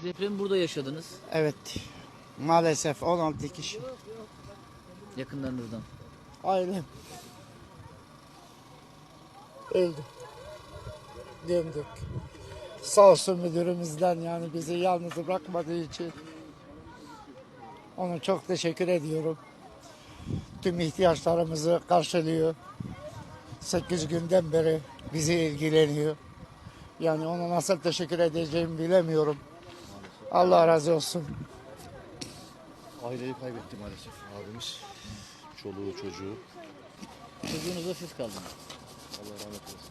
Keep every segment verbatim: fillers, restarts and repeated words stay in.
Depremi burada yaşadınız. Evet. Maalesef on altı kişi. Yakınlarınızdan. Ailem. Öldü. Döndük. Sağ olsun müdürümüzden, yani bizi yalnız bırakmadığı için ona çok teşekkür ediyorum. Tüm ihtiyaçlarımızı karşılıyor. sekiz günden beri bizi ilgileniyor. Yani ona nasıl teşekkür edeceğimi bilemiyorum. Allah razı olsun. Aileyi kaybetti maalesef abimiz. Çoluğu, çocuğu. Çocuğunuzla siz kaldınız. Allah rahmet eylesin.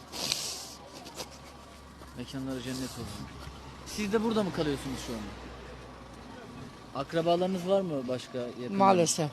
Mekanları cennet olsun. Siz de burada mı kalıyorsunuz şu anda? Akrabalarınız var mı başka yakın? Maalesef.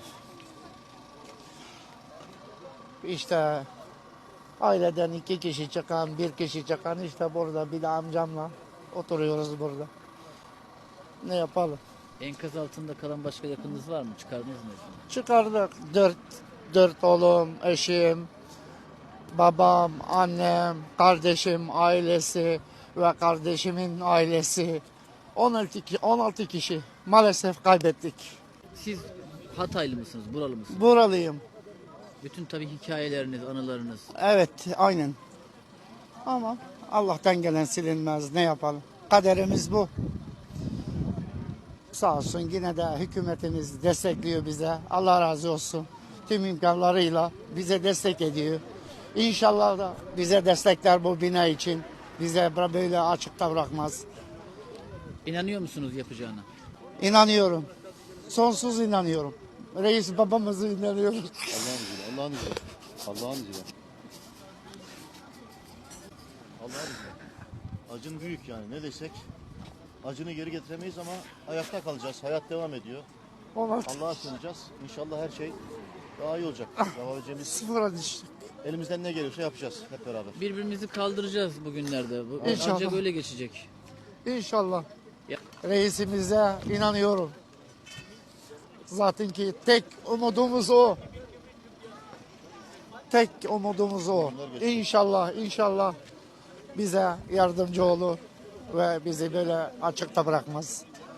İşte aileden iki kişi çıkan, bir kişi çıkan, işte burada bir de amcamla oturuyoruz burada. Ne yapalım? Enkaz altında kalan başka yakınınız var mı? Çıkardınız mı? Çıkardık. Dört, dört oğlum, eşim, babam, annem, kardeşim, ailesi ve kardeşimin ailesi. on altı, ki- on altı kişi maalesef kaybettik. Siz Hataylı mısınız? Buralı mısınız? Buralıyım. Bütün tabii hikayeleriniz, anılarınız. Evet, aynen. Ama Allah'tan gelen silinmez. Ne yapalım? Kaderimiz bu. Sağ olsun yine de hükümetimiz destekliyor bize. Allah razı olsun. Tüm imkanlarıyla bize destek ediyor. İnşallah da bize destekler bu bina için. Bize böyle açıkta bırakmaz. İnanıyor musunuz yapacağına? İnanıyorum. Sonsuz inanıyorum. Reis babamızı inanıyoruz. Allah'ın izniyle, Allah'ın izniyle. Allah'ın izniyle. Allah'ın izniyle. Acın büyük yani, ne desek. Acını geri getiremeyiz ama ayakta kalacağız. Hayat devam ediyor. Ona Allah'a sığınacağız. İnşallah her şey daha iyi olacak. Yapabileceğimiz, sıfıra düştük. elimizden ne geliyorsa yapacağız hep beraber. Birbirimizi kaldıracağız bugünlerde. Bu, İnşallah. ancak öyle geçecek. İnşallah. Ya- Reisimize inanıyorum. Zaten ki tek umudumuz o. Tek umudumuz o. İnşallah, inşallah bize yardımcı olur ve bizi böyle açıkta bırakmaz.